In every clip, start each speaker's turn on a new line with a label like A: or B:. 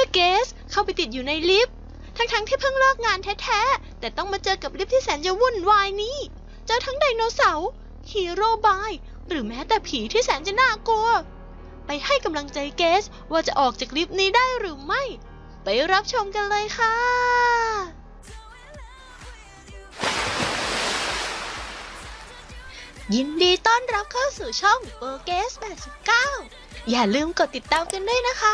A: เกสเข้าไปติดอยู่ในลิฟต์ทั้งที่เพิ่งเลิกงานแท้ๆแต่ต้องมาเจอกับลิฟต์ที่แสนจะวุ่นวายนี้เจอทั้งไดโนเสาร์ฮีโร่บายหรือแม้แต่ผีที่แสนจะน่ากลัวไปให้กำลังใจเกสว่าจะออกจากลิฟต์นี้ได้หรือไม่ไปรับชมกันเลยค่ะยินดีต้อนรับเข้าสู่ช่องโปเกส89อย่าลืมกดติดตามกันด้วยนะคะ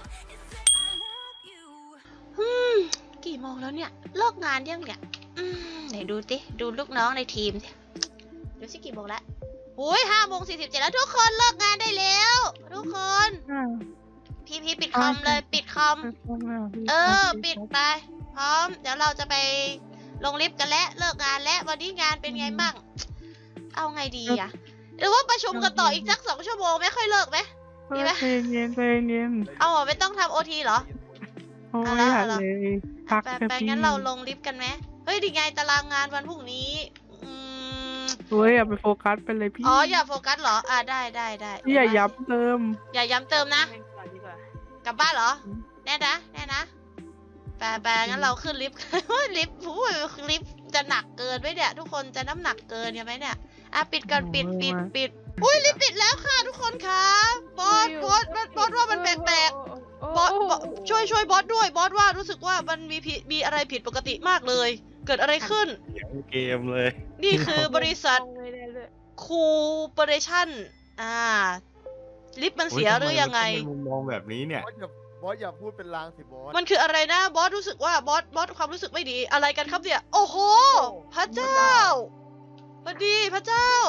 A: กี่โมงแล้วเนี่ยเลิกงานยังเนี่ยไหนดูสิดูลูกน้องในทีมสิดูสิกี่โมงแล้ว5:47แล้วทุกคนเลิกงานได้แล้วทุกคนพี่ปิดคอมเลยปิดคอมปิดไปพร้อมเดี๋ยวเราจะไปลงลิฟต์กันแล้วเลิกงานแล้ววันนี้งานเป็นไงบ้างเอาไงดีอะหรือว่าประชุมกันต่ออีกสัก2 ชั่วโมงไม่ค่อยเลิกไหมดีไหม
B: เย็น
A: เอาไม่ต้องทำโอทีเหรอ
B: เอาละเลยพัก
A: ไปงั้นเราลงลิฟต์กันไหมเฮ้ยดีไงตารางงานวันพรุ่งนี้
B: อย่าไปโฟกัสไปเลยพี่
A: อย่าโฟกัสเหรอได้
B: อย่าย้ำเติม
A: นะกลับบ้านเหรอแน่นะไปงั้นเราขึ้นลิฟต์ ลิฟต์จะหนักเกินไหมเนี่ยทุกคนจะน้ำหนักเกินไหมเนี่ยปิดก่อนปิดลิฟต์ปิดแล้วค่ะทุกคนค่ะบอสว่ามันแปลกบอสช่วยบอสด้วยบอสว่ารู้สึกว่ามันมีอะไรผิดปกติมากเลยเกิดอะไรขึ้น
C: เกมเลย
A: นี่คือบริษัทคูเปอเรชั่นลิฟต์มันเสียหรือยังไง
C: มุมมองแบบนี้เนี่ย
D: บอสอย่าพูดเป็นลางสิบอส
A: มันคืออะไรนะบอสรู้สึกว่าบอสความรู้สึกไม่ดีอะไรกันครับเนี่ยโอ้โหพระเจ้าพอดีพระเจ้า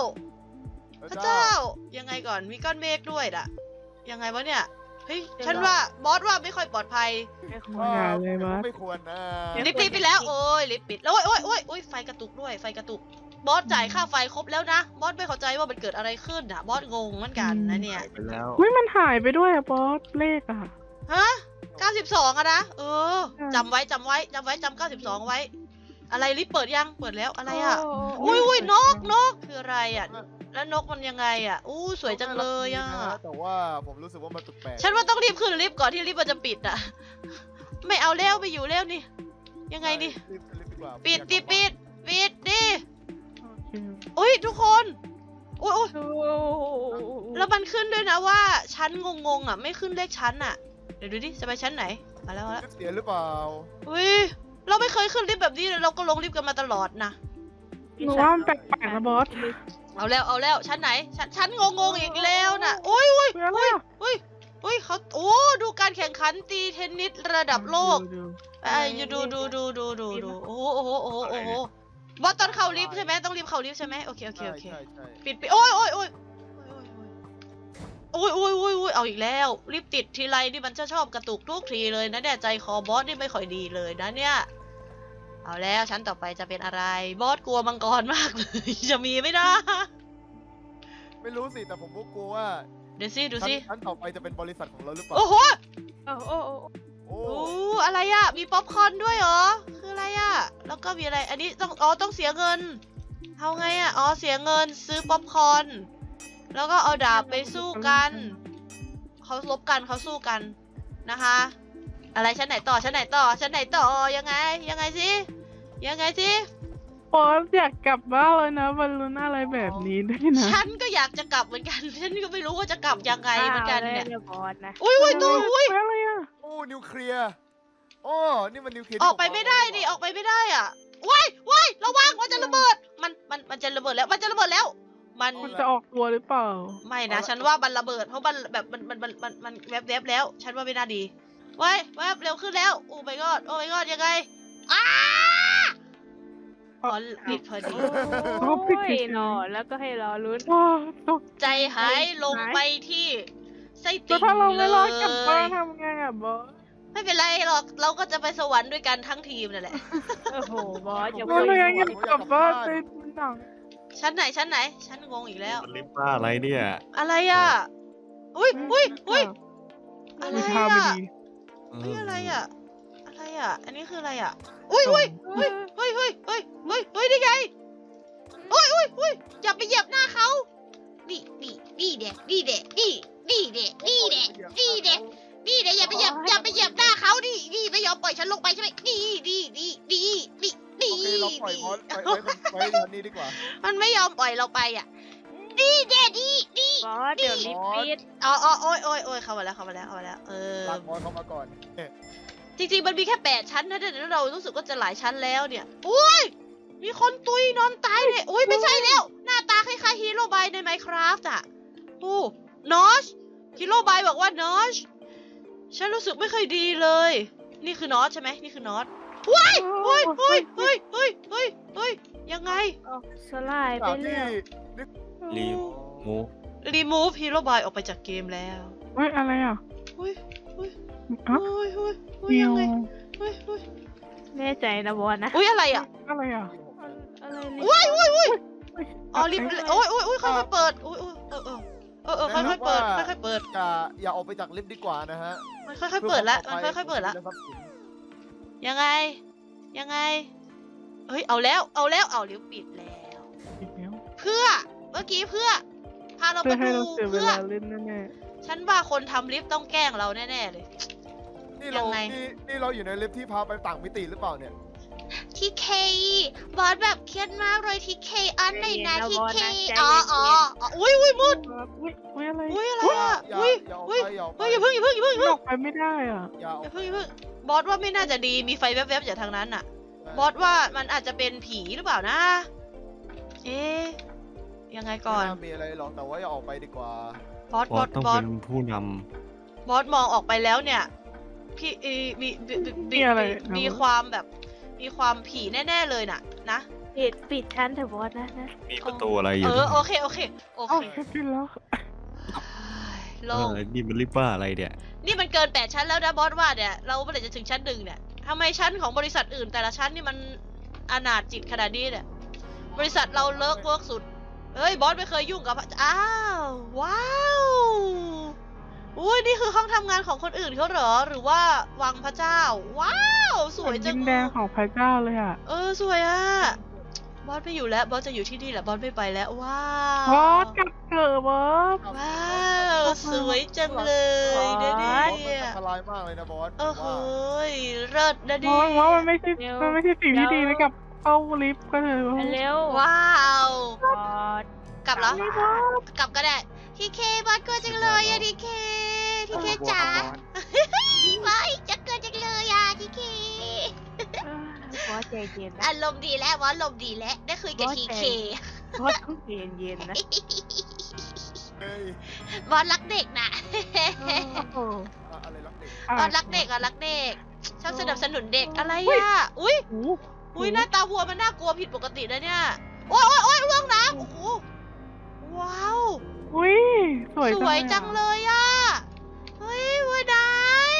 A: ยังไงก่อนมีก้อนเมฆด้วยล่ะยังไงวะเนี่ยเฮ้ยฉันว่าบอสว่าไม่ค่อยปลอดภัย
D: ไม่ควรนะ
A: ลิฟต์ปิดไปแล้วโอ้ยลิฟต์ปิดแล้วโอ้ยไฟกระตุกด้วยไฟกระตุกบอสจ่ายค่าไฟครบแล้วนะบอสไม่เข้าใจว่ามันเกิดอะไรขึ้นนะบอสงงเหมือนกันนะเนี่ย
B: มันหายไปด้วยอะบอสเลขอะ
A: ฮะ92อะนะจำไว้จำ92ไว้อะไรลิฟต์เปิดยังเปิดแล้วอะไรอะอุ้ยนกคืออะไรอะแล้วนกมันยังไงอะสวยจังเลยอะ
D: แต่ว่าผมรู้สึกว่ามันแปลก
A: ฉันว่าต้องรีบขึ้นลิฟต์ก่อนที่ลิฟต์มันจะปิดอะไม่เอาแล้วไปอยู่แล้วนี่ยังไงนี่ปิดดิอุ้ยทุกคนอุ้ยแล้วมันขึ้นด้วยนะว่าชั้นงงอะไม่ขึ้นเลขชั้นอะเดี๋ยวดูดิจะไปชั้นไหนมาแล้ว
D: เสียหรือเปล่า
A: อุ้ยเราไม่เคยขึ้นลิฟต์แบบนี้เลยเราก็ลงลิฟต์กันมาตลอดนะ
B: หนูว่ามันแปลกๆนะบอส
A: เอาแล้วชั้นไหนชั้นงงอีกแล้วน่ะอุ้ยเขาดูการแข่งขันตีเทนนิสระดับโลกอยู่ดูโอ้โหบอสตอนเข้าลิฟต์ใช่ไหมต้องรีบเข้าลิฟต์ใช่ไหมโอเคปิดโอ้ยเอาอีกแล้วรีบติดทีไรนี่มันจะชอบกระตุกทุกทีเลยนะเนี่ยใจคอบอสนี่ไม่ค่อยดีเลยนะเนี่ยเอาแล้วชั้นต่อไปจะเป็นอะไรบอสกลัวมังกรมากเลยจะมีไหมนะ
D: ไม่รู้สิแต่ผมก็กลัวว่า
A: ดูสิ
D: ชั้นต่อไปจะเป็นบริษัทของเราหรือเปล่า
A: โอ้โหอะไรอ่ะมีป๊อปคอร์นด้วยเหรอคืออะไรอ่ะแล้วก็มีอะไรอันนี้ต้องเสียเงินเอาไงอ่ะเสียเงินซื้อป๊อปคอร์นแล้วก็เอาดาบไปสู้กันเขาลบกันเขาสู้กันนะคะอะไรชั้นไหนต่อยังไงสิ
B: บอสอยากกลับบ้านเลยนะบอลลูนอะไรแบบนี้ด้วยนะ
A: ฉันก็อยากจะกลับเหมือนกันฉันก็ไม่รู้ว่าจะกลับยังไงเหมือนกันเนี่ย
B: บอสนะ
A: อุ้ย
D: อะไรอ่ะนิวเคลียร์นี่มันนิวเคลียร์
A: ออกไปไม่ได้ดิออกไปไม่ได้อ่ะว้ายระวังมันจะระเบิดมันจะระเบิดแล้วมัน
B: จะออกตัวหรือเปล่า
A: ไม่นะฉันว่ามันระเบิดเพราะมันแบบมันแวบแล้วฉันว่าไม่น่าดีแวบเร็วขึ้นแล้วโอ้ my god ยังไงปิดพอดี
B: นอนแล้วก็ให้รอลุ้น
A: ใจหายลงไปที่ไส้ติ่งเลย
B: ถ้าเราไม่รอดกลับบ้านทำไงอะบอส
A: ไม่เป็นไรหรอกเราก็จะไปสวรรค์ด้วยกันทั้งทีมนั่นแหละ
B: โอ้โหบอสอย่าไปกลับบ้านเป็นหนัง
A: ชั้นไหนชั้นงงอีกแล้ว
C: ลิฟต์บ้าอะไรเนี่ย
A: อะไรอ่ะอุ้ยอะไรอ่ะอะไรอ่ะอันนี้คืออะไรอ่ะอุ้ยนี่ไงอุ้ยอย่าไปเหยียบหน้าเขานี่เด็อย่าไปเหยียบหน้าเขา
D: สไปทางนี้ดีกว่า
A: มันไม่ยอมปล่อยเราไปอ่ะดีเด็ดดี
B: บอสเดี๋ยวลิฟต์ปิด
A: อ๋อโอ้ยเข้ามาแล้ว
D: ลากบอสเข้ามาก่อน
A: จริงๆมันมีแค่8 ชั้นนะแต่เรารู้สึกว่าจะหลายชั้นแล้วเนี่ยอุ้ยมีคนตุยนอนตายเลยอุ้ยไม่ใช่แล้วหน้าตาคล้ายๆฮีโร่บายใน Minecraft อ่ะโอ้นอชฮีโร่บายบอกว่านอชฉันรู้สึกไม่ค่อยดีเลย นี่คือนอชใช่ไหมนี่คือนอชว้ายเฮ้ยยังไง
B: สลายไป
D: จาก
B: เล
D: ที่
B: ย
A: remove hero by ออกไปจากเกมแล้ว
B: เฮ้ยอะไรอ่ะ
A: เฮ้ย
B: อ่ะ
A: ยั
B: เมีย
A: ง
B: ว
A: ไง
B: แน่ใจนะบอสนะ
A: อุ้ยอะไรอ่ะ
B: อะไรอ่ะ อะไร
A: อ๋อลิฟต์โอ้ยค่อยๆเปิดโอ้ยค่อยๆเปิดค่อยๆเปิด
D: อย่าออกไปจากลิฟต์ดีกว่านะฮะ
A: มันค่อยๆเปิดแล้วมันค่อยๆเปิดแล้วยังไงเฮ้ยเอาแล้วลิฟต์ปิดแล้ว
B: อีกแล้ว
A: เพื่อเมื่อกี้เพื่อพาเรา
B: เพื่
A: ไป
B: อให้
A: ดู
B: เราเสียเว
A: เพื่อ
B: ลาเล่นแน่
A: ฉันว่าคนทำลิฟต์ต้องแกล้งเราแน่ๆเลย
D: นี่เรา
A: ยังไง
D: นี่เราอยู่ในลิฟต์ที่พาไปต่างมิติหรือเปล่าเนี่ย
A: ทีเคบอสแบบเครียดมากเลยทีเคอันไหนนะทีเคอุ้ยมืด
B: ๆอุ้ยอะไร
A: อุ้ยอะไรอ่ะ
D: อย่า
A: อุ้ย
D: อย่าออก
A: อุ้ย
D: ไปอย่าออกไป
A: เฮ้ยอย่าเพิ่ง
B: ออกไปไม่ได้อ่ะ
D: อย่าออก
A: อย่า
D: ไป
A: เพิ่งบอสว่าไม่น่าจะดีมีไฟแวบๆจากทางนั้นอ่ะ บอสว่ามันอาจจะเป็นผีหรือเปล่านะ เอ๊ะยังไงก่อน
D: ไม่ามีอะไรหรอกแต่ว่าอย่าออกไปดีกว่า
A: บอส
C: บอสต้องเป็นผู้น
A: บอสมองออกไปแล้วเนี่ยพี่มีความแบบมีความผีแน่ๆเลยน่ะนะ
B: ปิดชั้นเถอะบอสนะ
C: ำมีประตูอะไรอยู่
A: โอเค
B: เอ้าขึ้นแล้ว
A: โล่ง
C: นี่มันรีบว่าอะไรเนี่ย
A: นี่มันเกิน8 ชั้นแล้วนะบอสว่าเนี่ยเราเมื่อไหร่จะถึงชั้น 1เนี่ยทำไมชั้นของบริษัทอื่นแต่ละชั้นนี่มันอนาถจิตขนาดนี้เนี่ยบริษัทเราเลิกเวิร์กสุดเฮ้ยบอสไม่เคยยุ่งกับอ้าวว้าวอุ้ยนี่คือห้องทำงานของคนอื่นเขาเหรอหรือว่าวังพระเจ้าว้าวสวยจัง
B: ดินแดงของพระเจ้าเลยอ่ะ
A: สวยอ่ะบอสไม่อยู่แล้วบอสจะอยู่ที่นี่แหละบอสไม่ไปแล้วว้าว
B: บอสกลับเถอะบอส
A: ว้าวสวยจังเลยนะเนี่
D: บอสมัน
A: ย
D: อันตรายมากเลยนะบอส
A: โอ้โหเลิศนะ
B: บ
A: ดิ
B: อสว่ามันไม่ใช่สิ่งที่ดีนะกับเข้าลิฟต์ก็เถอะ
E: เร็ว
A: ว้าว
E: บอส
A: กลับเหรอ กลับก็ได้ทีเคบอสกลัวจังเลยอะทีเคจ๋าไม่จะเกินจังเลยอะทีเค
E: บอสใจเย็นนะ
A: อารมณ์ดีแล้วบอสอารมณ์ดีแล้วได้คุยกับทีเค
E: บอสต้องใจเย็นๆนะ
D: เฮ้ย
A: บอสรักเด็กนะ
B: โอ้
D: อะไรรักเด็ก
A: บอสรักเด็กชอบสนับสนุนเด็กอะไรอะอุ้ย
B: โห
A: อุ้ยหน้าตาวัวมันน่ากลัวผิดปกตินะเนี่ยโอ้ยล่วงน้ำโอ้โหว้าว
B: อุ้ยสวย
A: สวยจังเลยอะเฮ้ยวัวน้อย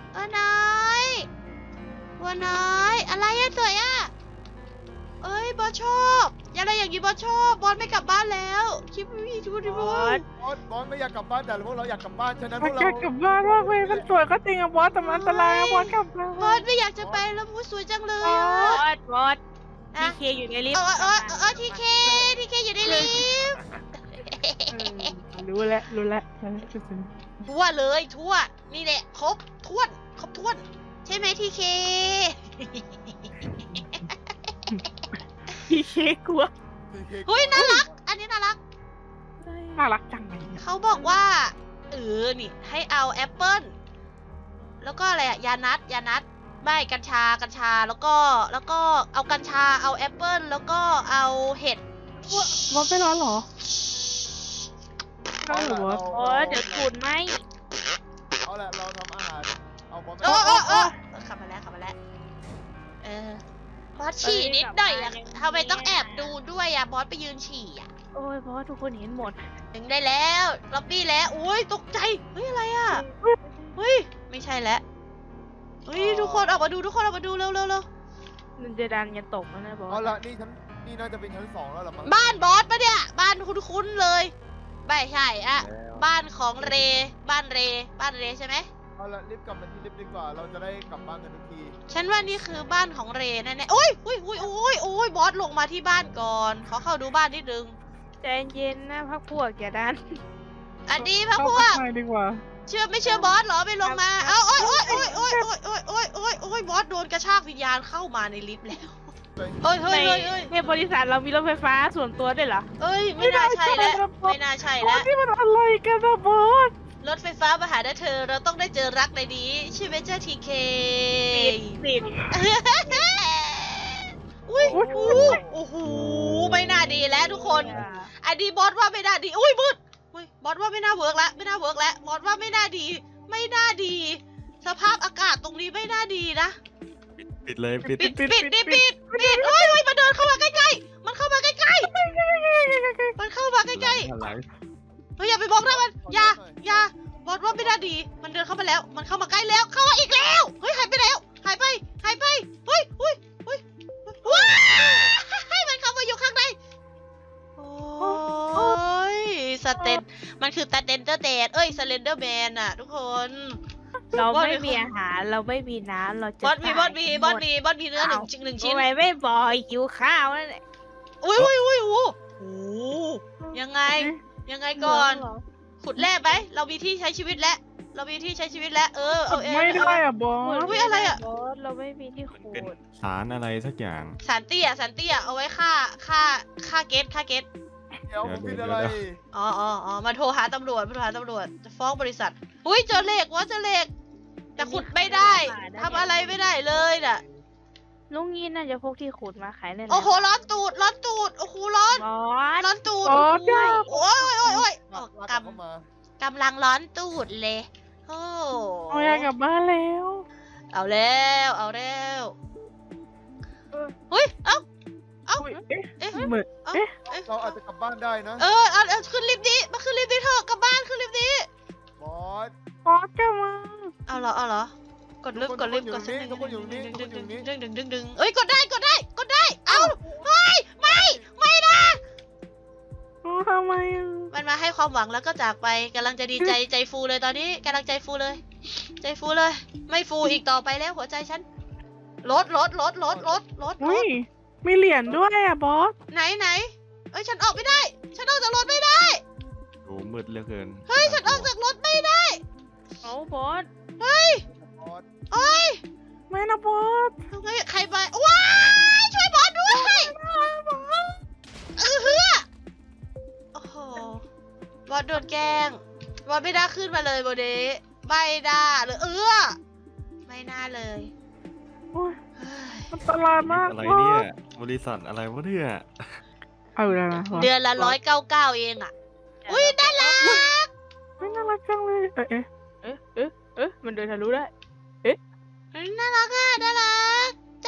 A: อะไรอะสวยอะเอ้ยบอสชอบอะไรอย่างนี้บอสชอบบอสไม่กลับบ้านแล้วคิดไม่ถูกดิบอส
D: บอสไม่อยากกลับบ้านแต่พวกเราอยากกลับบ้านฉะนั้นพ
B: มั
D: วน กเรา
B: แค่กลับบ้านว่าเว้ยมันสวยก็จริงอะบอสแต่มันอันตรายอะบอสกลับบ้าน
A: บอสไม่อยากจะไปแล้วบอสสวยจังเลย
E: บ
A: อะ
E: อสที
A: อะ
E: เคอยู่ในลิฟต์
A: ทีเคอยู่ในลิฟต์
B: รู้แล้ว
A: ทั่วเลยทั่วนี่แหละครบถ้วนใช่ไหมทีเค
E: ทีเคกลัว
A: เฮ้ยน่ารัก อันนี้น่ารัก
B: น่ารักจังเลย
A: เขาบอกว่านี่ให้เอาแอปเปิ้ลแล้วก็อะไรอะยานัดไม่กัญชาแล้วก็เอากัญชาเอาแอปเปิ้ลแล้วก็เอาเห็ด
B: บอสไม่ร้อนเหรอร้อนเหรอบอส
E: บอสเดี๋ยวฝุ่นไหม
D: เอาละเราทำอาหารเอาบอส
A: ขับมาแล้วบอสฉี่นิดหน่อยอะทำไมต้องแอบดูด้วยอะบอสไปยืนฉี่อะ
E: โอ้ยบอสทุกคนเห็นหมด
A: ถึงได้แล้วล็อบบี้แล้วอุ้ยตกใจเฮ้ยอะไรอะเฮ้ยไม่ใช่แล้วเฮ้ยทุกคนออกมาดูเร็ว
E: มันจะดันกันตกแล้วนะบอ
D: เอา
E: ส
D: ละนี่น่าจะเป็นชั้น 2แล้วหรอมั้ง
A: บ้านบอสปะเนี่ยบ้านคุ้นๆเลยไม่ใช่อะบ้านของเรบ้านเรใช่ไหม
D: เอาละรีบกลับมาที่ลิฟต์ดีกว่าเราจะได้กลับบ้านกันทุกที
A: ฉันว่านี่คือบ้านของเรแน่ๆโอ้ยบอสลงมาที่บ้านก่อนขอเข้าดูบ้านนิดนึง
E: ใจเย็นนะพักพวกอย่าดัน
A: อันนี้พระพวก
B: เข้าไปดีกว่า
A: ไม่เชื่อบอสเหรอไม่ลงมาโอ้ยบอสโดนกระชากวิญญาณเข้ามาในลิฟต์แล้วเฮ้ยเฮ้ย
E: ใน
A: เฮ้ยเฮ้ย
E: ในบริษัทเรามีรถไฟฟ้าส่วนตัวด้วยเหรอ
A: เอ้ยไม่น่าใช่แล้วไม่น่าใช่
B: โอ้
A: แล้ว
B: นี่มันอะไรกันนะบอส
A: รถไฟฟ้ามาหาเธอเราต้องได้เจอรักในนี้ใช่ไหมเจ้าทีเค
E: ปิด
A: อุ้ยโอ้โหไม่น่าดีแล้วทุกคนอันนี้บอสว่าไม่น่าดีอุ้ยมืดอุ้ยบอสว่าไม่น่าเวิร์กแล้วไม่น่าเวิร์กแล้วบอสว่าไม่น่าดี ไม่น่าดี สภาพอากาศตรงนี้ไม่น่าดีนะ
C: ปิดเลยปิด
A: ปิดเอ้ยมันเดินเข้ามาใกล้ๆมันเข้ามาใกล้ๆมันเข้ามาใกล้ๆ
C: อะไร
A: เฮ้ยอย่าไปบอกนะมันอย่าบอสว่าไม่ได้ดี มันเดินเข้ามาแล้ว มันเข้ามาใกล้แล้ว เข้ามาอีกแล้ว เฮ้ยหายไปแล้ว หายไป เฮ้ยว้ายมันเข้ามาอยู่ข้างใน โอ้ยสเตนมันคือสเตนเดอร์แดดเอ้ยสเลนเดอร์แมนอะทุกคน
E: เราไม่มีอาหารเราไม่มีน้ำเราจะ
A: บอสมี
E: ตาย
A: เนื้อหนึ่งชิ้น
E: ทำไมไม่บอกหิวข้าวนั่นแหละ
A: อุ้ยโอ้โหยังไงก่อน ขุดแร่ไหมเรามีที่ใช้ชีวิตแล้ว เรามีที่ใช้ชีวิตแล้ว เอา
B: ไม่ได้อะบอส
A: อุ๊ยอะไรอะ
E: บอสเราไม่มีที่
C: มัน
E: ขุ
C: เป็น
E: ด
C: สารอะไรสักอย่าง
A: สารเตี้ยเอาไว้ฆ่าเกต
D: เดี๋ยวผมผิดอะไร
A: อ๋อมาโทรหาตำรวจจะฟ้องบริษัทอุ้ยเจอเหล็กแต่ขุดไม่ได้ทำอะไรไม่ได้เลยน่ะ
E: ลุงยีนน่าจะพกที่ขุดมาขายได้แล้ว
A: โอ้โหร้อนตูดโอ้โหร้อน
E: บอส
A: ร้อนตูด
B: บอสจ้า
A: โอ้ย
D: ลาก
A: ก
D: เข้ามา
A: ำลังร้อนตูดเลยโอ้
B: เอาอยากกลับบ้านแล้ว
A: เอาแล้วเฮ้ยเอ้า
B: อุ๊ย
A: เอ๊ะ
B: เหมือน
D: เราอาจจะกลับบ้านได้นะ
A: เอาขึ้นลิฟต์นี้มาขึ้นลิฟต์นี้เถอะกลับบ้านขึ้นลิฟต์นี้
D: บอส
B: บอสจะมา
A: เอาเหรอ กดลิฟต์
D: ทุกคนอยู่นี่
A: ดึงเอ้ยกดได้ เอาไม่นะ
B: โอ้ทำไมอะ
A: มันมาให้ความหวังแล้วก็จากไปกำลังจะดีใจใจฟูเลยตอนนี้กำลังใจฟูเลย ไม่ฟูอีกต่อไปแล้วหัวใจฉันลด
B: อุ้ยมีเหรียญด้วยอะบอส
A: ไหนเอ้ยฉันออกไม่ได้ ฉันออกจากรถไม่ได้
C: โอ้มืดเหลือเกิน
A: เฮ้ยฉันออกจากรถไม่ได้
E: เอาบอส
A: เฮ้ย
D: บอส
A: เอ้ย
B: ไม่นะบอส
A: ทำไงใครไปว้ายช่วยบอสด้วยเฮือโอ้โหบอสโดนแกล้งบอสไม่ได้ขึ้นมาเลยโบเดไม่ได้เลยไม่น่าเลย
B: โอ้ย
A: เฮ้ย
B: อันตรายมาก
C: อะไร
B: บอ
C: เนี่ย
B: ส
C: บริษัทอะไรวะเนี่ย
B: เอาแล้วนะบอส
A: เดือนละ199เองอ่ะ อุ้ยน่ารัก
B: ไม่น่ารักจังเลย
E: มันเดินทะลุได้
A: น่ารักอ่ะน่ารัก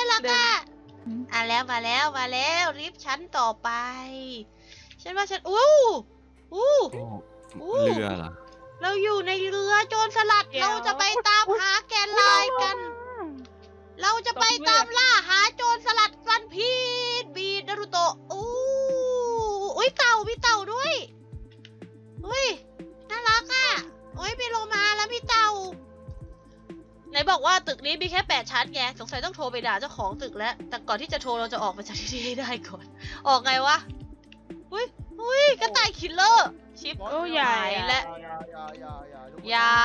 A: มาแล้วรีบชั้นต่อไป ฉันว่าฉันอู้
C: โอ้เรือเหรอ
A: เราอยู่ในเรือโจรสลัด เราจะไปตามหาแกนลายกัน เราจะไปตามล่าหาโจรสลัดฟันพีดบีดนารุโตะอุ้ยเต่ามีเต่าด้วยอุ้ยน่ารักอ่ะโอ้ยมีโลมาแล้วมีเต่าไหนบอกว่าตึกนี้มีแค่8 ชั้นไงสงสัยต้องโทรไปด่าเจ้าของตึกแล้วแต่ก่อนที่จะโทรเราจะออกมาจากที่นี่ให้ได้ก่อนออกไงวะอุ้ยกระต่ายคิลเลอร์ชิป
E: โอ้ใหญ่
A: และ
D: อย่า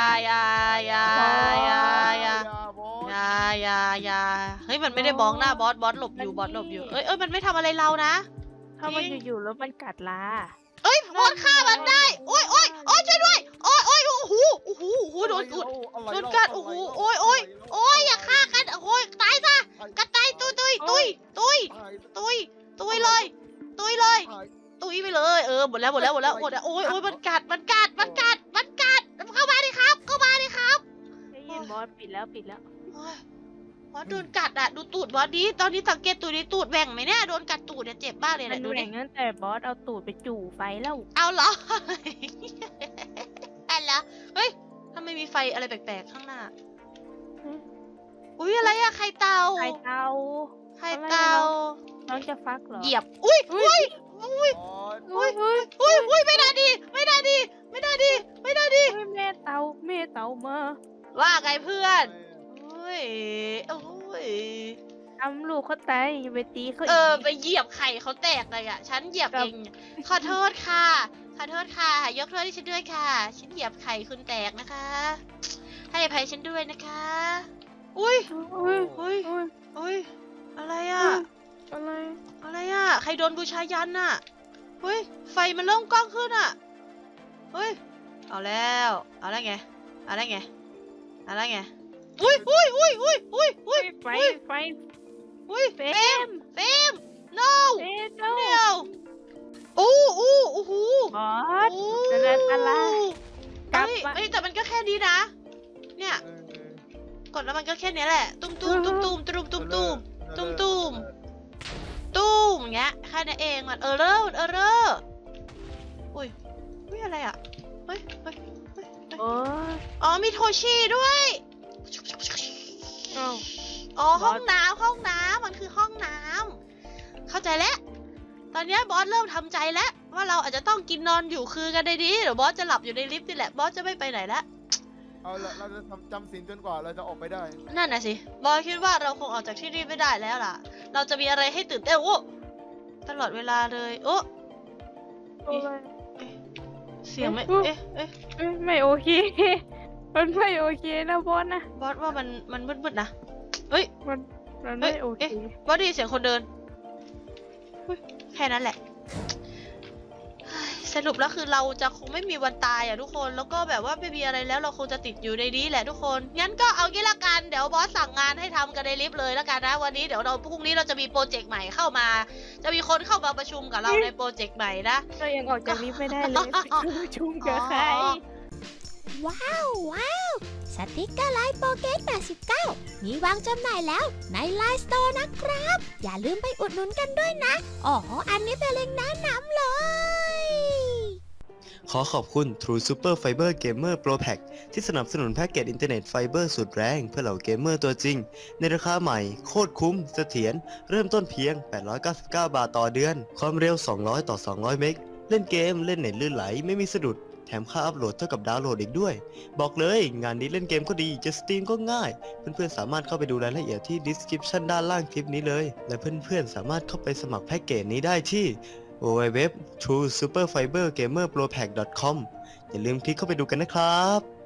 D: บอส
A: อย่าเฮ้ยมันไม่ได้มองหน้าบอสหลบอยู่เอ้ยมันไม่ทำอะไรเรานะ
E: ถ้ามันอยู่ๆแล้วมันกัดลา
A: เอ้ยบอสฆ่ามันได้โอ้ยช่วยด้วยโอ้ยโอ้โหโดนกุด โดนกัดโอ้โหโอ้ยอย่าฆ่ากันโอ้ยตายซะกระต่ายตุยเลยตุยไปเลยหมดแล้วโอ้ยมันกัดเข้ามาดิครับ
E: ได้ยินบอสปิดแล้ว
A: โอ้ยบอสโดนกัดอ่ะดูตูดบอสดิตอนนี้สังเกตตูดดิตูดแหว่งไหมเนี่ยโดนกัดตูดเนี่ยเจ็บมากเลย
E: มั
A: นะ
E: น
A: ดู
E: แห
A: ดิ
E: ว่งตั้งแต่บอสเอาตูดไปจู่ไฟแล้ว
A: เอาเหรออะไรเฮ้ยทำไมมีไฟอะไรแปลกๆข้างหน้าอุ้ยอะไรอะไข่เต่า
E: ไข่เตา น้องจะฟักเหรอ
A: เหยียบอุ้ย
D: บอส
A: ไม่ได้ดี
E: เฮ้ยแม่เตามา
A: ว่าไงเพื่อนโอ้ย
E: ทำลูกเขาตายอย่าไปตีเขา
A: ไปเหยียบไข่เขาแตกเลยอ่ะฉันเหยียบเองขอโทษค่ะยกโทษให้ฉันด้วยค่ะฉันเหยียบไข่คุณแตกนะคะให้อภัยฉันด้วยนะคะอุ้ยอะไรอ่ะ
B: อะไร
A: อะไรอ่ะ ใครโดนบูชายันอ่ะ เฮ้ย ไฟมันเริ่มกล้องขึ้นอ่ะ เฮ้ย เอาแล้ว เอาแล้วไง เอาแล้วไง เอาแล้วไง อุ้ย
B: ไฟ
A: อุ้ย
B: เฟ
A: เฟ
B: ร
A: ร
B: ม
A: มเฟรม no
B: เอ๊ะโน
A: เดี๋ยวโอ้โอ้โห
B: บอสจะเดินอะไรกลับมา
A: เอ้ยแต่มันก็แค่นี้นะ เนี่ย กดแล้วมันก็แค่นี้แหละ ตุ้มตุ้มตุ้มตุ้มตุ้มตุ้มตุ้มตุ้มตุ้มตุ้มอย่างเงี้ยแค่นั้นเองมันเออเรอร์อุ้ยอะไรอ่ะ เฮ้ย
B: โอ้ย
A: อ๋อมีโทชิด้วย
B: เอ้า
A: อ๋อห้องน้ำมันคือห้องน้ำเข้าใจแล้ว ตอนเนี้ยบอสเริ่มทำใจแล้วว่าเราอาจจะต้องกินนอนอยู่คือกันในนี้เดี๋ยวบอสจะหลับอยู่ในลิฟต์นี่แหละบอสจะไม่ไปไหนแล้ว
D: เอาละเราจะจำศีลจนกว่าเราจะออกไปได้
A: นั่นน่ะสิบอสคิดว่าเราคงออกจากที่นี่ไม่ได้แล้วล่ะ เราจะมีอะไรให้ตื่นเต้นโอ้ตลอดเวลาเลยโอ้
B: อะไร
A: เสียงไม่
B: เอ๊ะ
A: เอ๊ะ
B: เอ้ยไม่โอเค มันไม่โอเคนะบอสนะ
A: บอสว่ามันมืดๆนะเฮ้ย
B: มันไม่โอเค
A: บอสได้ยินเสียงคนเดินเฮ้ยแค่นั้นแหละเฮ้ยสรุปแล้วคือเราจะคงไม่มีวันตายอ่ะทุกคนแล้วก็แบบว่าไม่มีอะไรแล้วเราคงจะติดอยู่ในนี้แหละทุกคนงั้นก็เอางี้ละกันเดี๋ยวบอสสั่งงานให้ทำกันในลิฟต์เลยละกันนะวันนี้เดี๋ยวเราพรุ่งนี้เราจะมีโปรเจกต์ใหม่เข้ามา จะมีคนเข้ามาประชุมกับเราในโปรเจกต์ใหม่นะ
B: เรายังออกจากลิฟต์ไม่ได้เลย ประชุมกับใคร
F: ว้าว สติกเกอร์ไลน์โปเกต89 มีวางจำหน่ายแล้วในไลน์สโตร์นะครับ อย่าลืมไปอุดหนุนกันด้วยนะ อ๋อ อันนี้เป็นเล็งก์แนะนำเลย
G: ขอขอบคุณ True Super Fiber Gamer Pro Pack ที่สนับสนุนแพ็กเกจอินเทอร์เน็ตไฟเบอร์สุดแรงเพื่อเหล่าเกมเมอร์ตัวจริง ในราคาใหม่ โคตรคุ้มเสถียรเริ่มต้นเพียง 899 บาทต่อเดือน ความเร็ว 200 ต่อ 200 เมกเล่นเกมเล่นเน็ตลื่นไหลไม่มีสะดุด แถมค่าอัพโหลดเท่ากับดาวน์โหลดอีกด้วย บอกเลยงานนี้เล่นเกมก็ดีจะสตรีมก็ง่าย เพื่อนๆสามารถเข้าไปดูรายละเอียดที่ description ด้านล่างคลิปนี้เลย และเพื่อนๆสามารถเข้าไปสมัครแพ็กเกจนี้ได้ที่ www.truesuperfibergamerpropack.com อย่าลืมคลิกเข้าไปดูกันนะครับ